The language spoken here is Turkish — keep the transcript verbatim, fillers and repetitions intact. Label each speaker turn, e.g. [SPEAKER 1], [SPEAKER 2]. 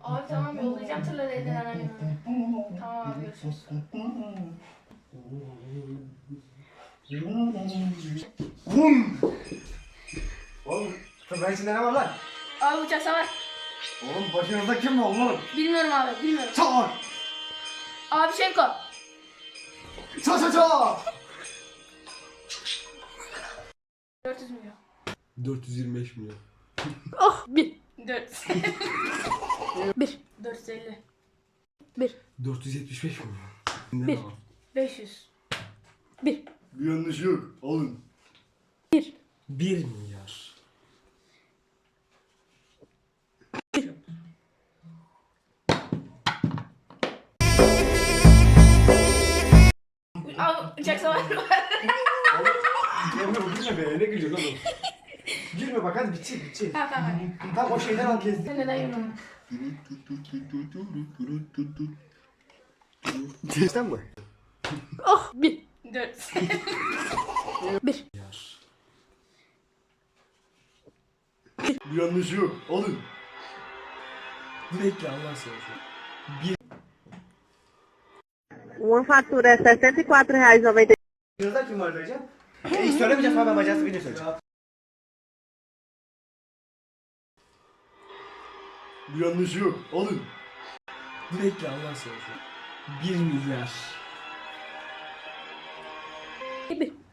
[SPEAKER 1] Abi tamam yollayacağım tırları elden anneanneme. Tamam abi görüşürüz.
[SPEAKER 2] Bum! Oğlum tırnak içinde ne var lan?
[SPEAKER 1] Abi uçak savar.
[SPEAKER 2] Oğlum başınızda kim var oğlum?
[SPEAKER 1] Bilmiyorum abi bilmiyorum.
[SPEAKER 2] Çağır!
[SPEAKER 1] Abi Şevko.
[SPEAKER 2] Ça ça ça!
[SPEAKER 1] dört yüz milyon.
[SPEAKER 3] dört yüz yirmi beş milyon.
[SPEAKER 1] Oh bir. Dört. Bir. Dört yüz elli. Bir.
[SPEAKER 3] dört yüz yetmiş beş milyon.
[SPEAKER 1] Bir. Beş yüz. Bir.
[SPEAKER 2] Bir yanlış yok. Alın.
[SPEAKER 1] Bir.
[SPEAKER 3] bir milyar.
[SPEAKER 1] Abi uçak savar var.
[SPEAKER 2] Girme bu girme be. Ne gülüyor oğlum? Girme bak hadi bitecek bitecek.
[SPEAKER 1] Tamam tamam.
[SPEAKER 2] Tamam o şeyden al kezdin.
[SPEAKER 1] Sen neden yürüyorsun?
[SPEAKER 2] Geçten mi?
[SPEAKER 1] Oh bir. Dört. Bir.
[SPEAKER 3] Milyar.
[SPEAKER 2] Bir yanlış yok. Alın.
[SPEAKER 3] Bekle Allah seversen.
[SPEAKER 4] Uma fatura é sessenta e quatro reais e noventa.
[SPEAKER 2] Yanınızda kim var diyeceğim? E hiç söylemeyeceğim ama ben bacası video söyleyeceğim. Bir yanlış yok. Alın.
[SPEAKER 3] Bekle Allah seversen. bir milyar.
[SPEAKER 1] Bir.